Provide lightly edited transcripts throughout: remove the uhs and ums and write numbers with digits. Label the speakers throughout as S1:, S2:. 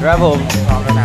S1: ครับผม
S2: พร้อมแล้วนะ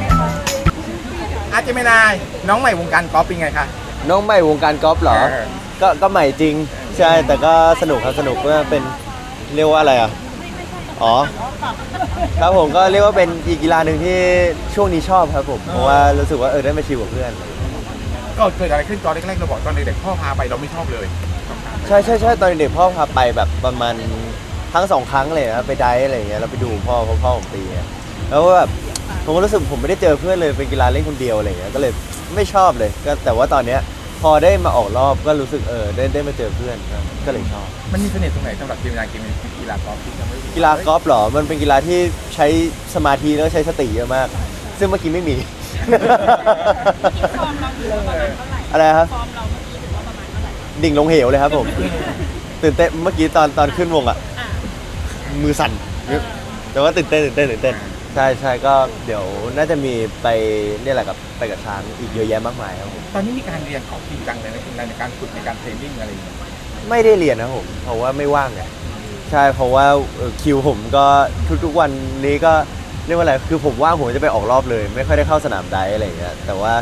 S2: อาเจมินายน้องใหม่วงการกอล์ฟเป็นไงคะ
S1: น้องใหม่วงการกอล์ฟเหรอก็ใหม่จริงใช่แต่ก็สนุกครับสนุกว่าเป็นเรียกว่าอะไรอ่ะอ๋อครับผมก็เรียกว่าเป็นอีกกีฬาหนึ่งที่ช่วงนี้ชอบครับผมเพราะว่ารู้สึกว่าได้มาชิลกับเพื่อน
S2: ก็เกิดอะไรขึ้นตอนแรกๆเราบอกตอนเด็กๆพ่อพาไปเราไม่ชอบเลย
S1: ใช่ตอนเด็กพ่อพาไปแบบประมาณทั้งสองครั้งเลยนะไปไดฟ์อะไรอย่างเงี้ยเราไปดูพ่อผมตีแล้วแบบผมก็รู้สึกผมไม่ได้เจอเพื่อนเลยเป็นกีฬาเล่นคนเดียวอะไรอย่างเงี้ยก็เลยไม่ชอบเลยก็แต่ว่าตอนเนี้ยพอได้มาออกรอบก็รู้สึกได้มาเจอเพื่อนก็เลยชอบ
S2: มันมีเสน่ห์ตรงไหนสำหรับกีฬากอล์ฟ
S1: กีฬากอล์ฟเหรอมันเป็นกีฬาที่ใช้สมาธิแล้วใช้สติเยอะมากซึ่งเมื่อกี้ไม่มีอะไรครับดิ่งลงเหวเลยครับผมตื่นเต้นเมื่อกี้ตอนขึ้นวงอ่ะมือสั่นแต่ว่าตื่นเต้นใช่ก็เดี๋ยวน่าจะมีไปเนี่ยแหละไปกับช้างอีกเยอะแยะมากมายครับผม
S2: ตอนนี้มีการเรียนของจริงจังเลยในการฝึกในการเทรนนิ่งอะไรอย่างเงี้ย
S1: ไม่ได้เรียนนะผมเพราะว่าไม่ว่างไงใช่เพราะว่าคิวผมก็ทุกวันนี้ก็เรียกว่าอะไรคือผมว่างผมจะไปออกรอบเลยไม่ค่อยได้เข้าสนามไดฟ์อะไรอย่างเงี้ยแต่ว่า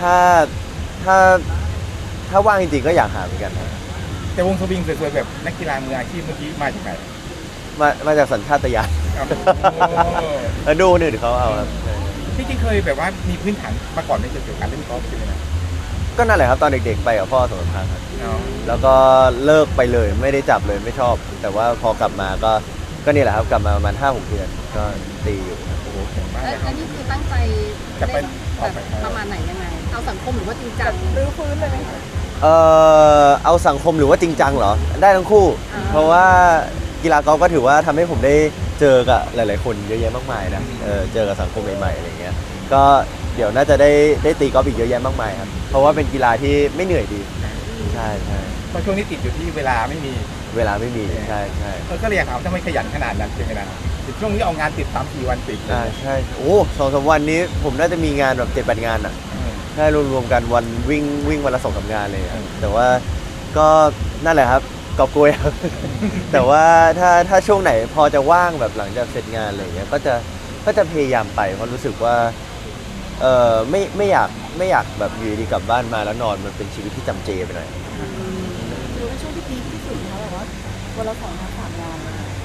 S1: ถ้าว่างจริงๆก็อยากหาเหมือนกันนะ
S2: แต่วงสวิงสวยๆแบบนักกีฬามืออาชีพเมื่อกี้มาจากไหน
S1: มาจากสัญชาตญาณแล้วดูเนี่ยเดี๋ยวเขาเอาครับ
S2: ที่จริงเคยแบบว่ามีพื้นฐานมาก่อนในเกี่ยวกับการเล่นกอล์ฟใช่ไหมนะ
S1: ก็นั่นแหละครับตอนเด็กๆไปกับพ่อสองครั้งครับแล้วก็เลิกไปเลยไม่ได้จับเลยไม่ชอบ แต่ว่าพอกลับมาก็นี่แหละครับกลับมาประมาณ 5-6 เดือนก็ตีอยู่
S2: โอ้โหแข็งมาก
S3: แล้วนี่คือตั้งใจ
S2: จะไป
S3: ประมาณไหนยังไงเอาสังคมหรือว่าจริงจังรื้อฟื้นเลยไหม
S1: เอาสังคมหรือว่าจริงจังเหรอได้ทั้งคู่เพราะว่ากีฬากอล์ฟก็ถือว่าทำให้ผมได้เจอกับหลายๆคนเยอะแยะมากมายนะเจอกับสังคมใหม่ๆอะไรเงี้ยก็เดี๋ยวน่าจะได้ตีกอล์ฟอีกเยอะแยะมากมายครับเพราะว่าเป็นกีฬาที่ไม่เหนื่อยดีใช่
S2: เพราะช่วงนี้ติดอยู่ที่เวลาไม่มี
S1: ใช่
S2: ก็เลยอยากถามทำไมขยันขนาดนั้นใช่ไหมนะช่วงนี้เอางานติด3-4 วันติด
S1: ใช่โอ้2-3 วันนี้ผมน่าจะมีงานแบบ7-8 งานอ่ะใช่รวมๆกันวันวิ่งวันละ2-3 งานเลยแต่ว่าก็นั่นแหละครับกอบโกยครับแต่ว่าถ้าช่วงไหนพอจะว่างแบบหลังจากเสร็จงานอะไรเงี้ยก็จะพยายามไปเพราะรู้สึกว่าไม่อยากแบบอยู่ดีกลับบ้านมาแล้วนอนมันเป็นชีวิตที่จำเจไปหน่อย
S3: ดูในช่วงที่พีคที่สุดเขาแบบว่าวันละ2-3 งาน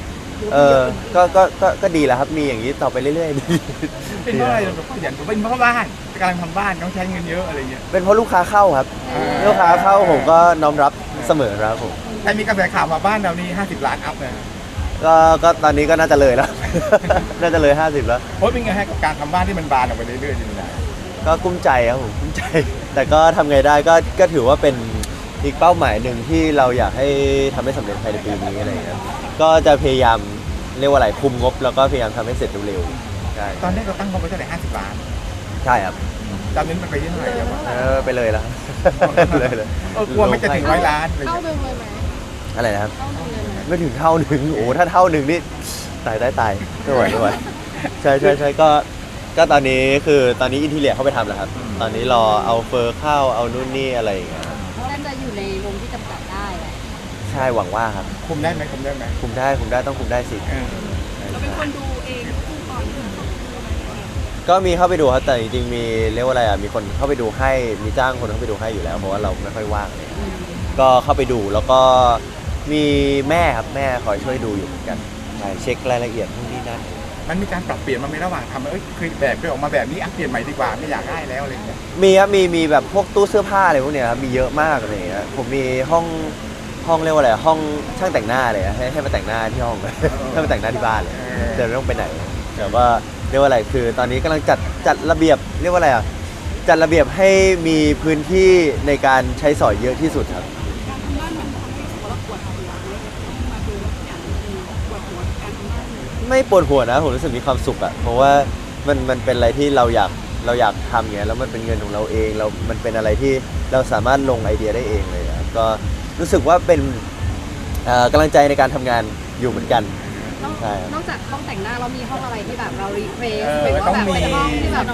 S1: ก็ดีแล้วครับมีอย่างนี้ต่อไปเรื่อยๆดี
S2: เป็นเพราะอะไรขยันเป็นเพราะบ้านกำลังทำบ้านต้องใช้เงินเยอะอะไรเงี้ย
S1: เป็นเพราะลูกค้าเข้าครับลูกค้าเข้าผมก็น้อมรับเสมอครับผม
S2: แต่มีกระแสข่าวมาบ้านเรานี่50 ล้านอัพเลย
S1: ก็ตอนนี้ก็น่าจะเลยแล้วน่าจะเลย50แล้ว
S2: โอ้ยเป็นไงฮะกับการทำบ้านที่มันบานออกไปเรื่อยๆจริง
S1: ๆก็กุ้มใจครับผมกุ้มใจแต่ก็ทำไงได้ก็ถือว่าเป็นอีกเป้าหมายหนึ่งที่เราอยากให้ทำให้สำเร็จภายในปีนี้อะไรเงี้ยก็จะพยายามเรียกว่าอะไรคุมงบแล้วก็พยายามทำให้เสร็จเร็วๆใช่
S2: ตอนนี้เราตั้งงบไว้เท่าไหร่50 ล้าน
S1: ใช่ครับ
S2: ตอนนี้มันไปที่เท่าไหร่แล้ว
S1: ไปเลยแล้ว
S2: เลยกลัวไม่จะถึง100 ล้าน
S3: เท่าเดิมเลยไหม
S1: อะไรนะครับไม่ถึงเท่าหนึ่งโอ้ถ้าเท่าหนึ่งนี่ตายไม่ไหวใช่ก็ตอนนี้คือตอนนี้อินทีเรียเข้าไปทำแล้วครับตอนนี้รอเอาเฟอร์เข้าเอานู่นนี่อะไรอย่างเงี้ย
S3: น่าจะอยู่ในวงที่จำกัดได้
S1: ใช่หวังว่าครับ
S2: คุมได้ไหมคุมได้
S1: ต้องคุมได้สิ
S3: เราเป็นคนดูเองก่อน
S1: ก็มีเข้าไปดูครับแต่จริงๆมีเรียกว่าอะไรมีคนเข้าไปดูให้มีจ้างคนเข้าไปดูให้อยู่แล้วเพราะว่าเราไม่ค่อยว่างเลยก็เข้าไปดูแล้วก็มีแม่ครับแม่คอยช่วยดูอยู่เหมือนกันใช่เช็ครายละเอียดพวกนี้นั่น
S2: มันมีการปรับเปลี่ยนมาในระหว่างทำคือแบบเคยออกมาแบบนี้เปลี่ยนใหม่ดีกว่าไม่อยากได้แล้วอะไรอย่างเงี้ย
S1: มีครับมีแบบพวกตู้เสื้อผ้าอะไรพวกเนี้ยครับมีเยอะมากอะไรอย่างเงี้ยผมมีห้องเรียกว่าอะไรห้องช่างแต่งหน้าเลยให้มาแต่งหน้าที่ห้องให้มาแต่งหน้าที่บ้านเลยเดี๋ยวไม่ต้องไปไหนแต่ว่าเรียกว่าอะไรคือตอนนี้กำลังจัดระเบียบเรียกว่าอะไรจัดระเบียบให้มีพื้นที่ในการใช้สอยเยอะที่สุดครับไม่ปวดหัวนะผมรู้สึกมีความสุขอะเพราะว่ามันเป็นอะไรที่เราอยากทำเงี้ยแล้วมันเป็นเงินของเราเองมันเป็นอะไรที่เราสามารถลงไอเดียได้เองเลยก็รู้สึกว่าเป็นกำลังใจในการทำงานอยู่เหมือนกัน
S3: ใช่นอกจากห้องแต่งหน้าเรามีห้องอะไรที่แบบเรารีเควสหรือว่าแบบเป็นห้องที่แบบ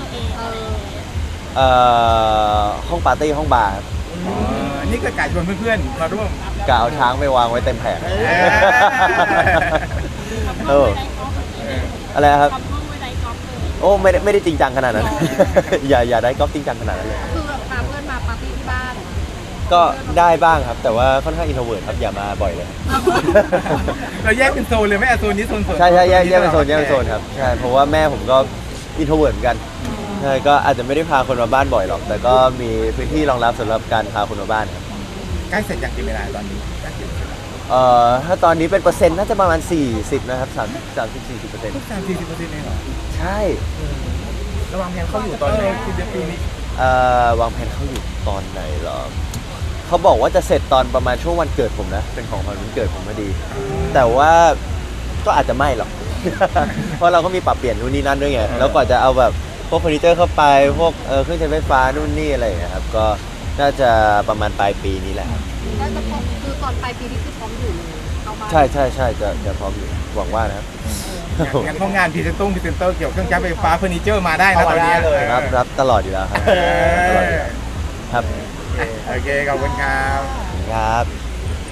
S1: ห้องปาร์ตี้ห้องบาร์
S2: นี่ก็กะชวนเพื่อนๆมาร่วม
S1: กะเอาช้างไปวางไว้เต็มแผงอะไรครับโอ้ไม่ได้จริงจังขนาดนั้น อย่าได้กอล์ฟจริงจังขนาดนั้นเลย
S3: คือแบบพาเพื่อนมาปาร์ตี้ที่บ้าน
S1: ก็ได้บ้างครับ แต่ว่าค่อนข้างอินโทรเวิร์ตครับอย่ามาบ่อยเลย
S2: เราแยกเป็นโซนเลยไหมโซนนี้โซนส่วน
S1: ใช่แยกเป็นโซนครับใช่เพราะว่าแม่ผมก็อินโทรเวิร์ตเหมือนกันใช่ก็อาจจะไม่ได้พาคนมาบ้านบ่อยหรอก แต่ก็มีพื้นที่รองรับสำหรับการพาคนมาบ้านครับ
S2: ใกล้เสร็จอย่างกี่เวลาตอนนี้ใกล้เสร็จ
S1: ถ้าตอนนี้เป็นเปอร์เซ็นต์น่าจะประมาณ40นะครับ30-40%
S2: ทุก30-40%เองเหรอ
S1: ใช่
S2: ระวังแผนเข้าอยู่ตอนไหนปีนี้
S1: วางแผนเขาอยู่ตอนไหนเหรอเขาบอกว่าจะเสร็จตอนประมาณช่วงวันเกิดผมนะ เป็นของขวัญวันเกิดผมพอดี แต่ว่าก็อาจจะไม่หรอก เพราะเราก็มีปรับเปลี่ยนนู่นนี่นั่นด้วยไง แล้วกว่าจะเอาแบบพวกเฟอร์นิเจอร์เข้าไป พวกเครื่องใช้ไฟฟ้านู่นนี่อะไรอย่างเงี้ยครับ ก็น่าจะประมาณปลายปีนี้แหละครับ
S3: แล้วจะพร้อมคือตอนปลายปีนี้คือพร้อมอยู่เลยเข้าบ้าน
S1: ใช่จะพร้อมอยู่ หวังว่านะครับ
S2: งั้นพวกงานพรีเซนเตอร์เกี่ยวกับเครื่องใช้ไฟฟ้าเฟอร์นิเจอร์มาได้นะตอนนี้
S1: รับตลอดอยู่แล้วครับ ตลอดอยู่แล้วครับ
S2: โอเคขอบคุณครับ
S1: ครับ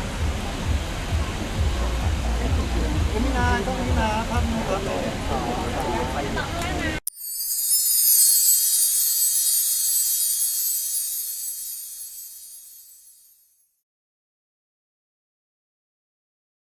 S4: ก็มีนาภาพนึงครับ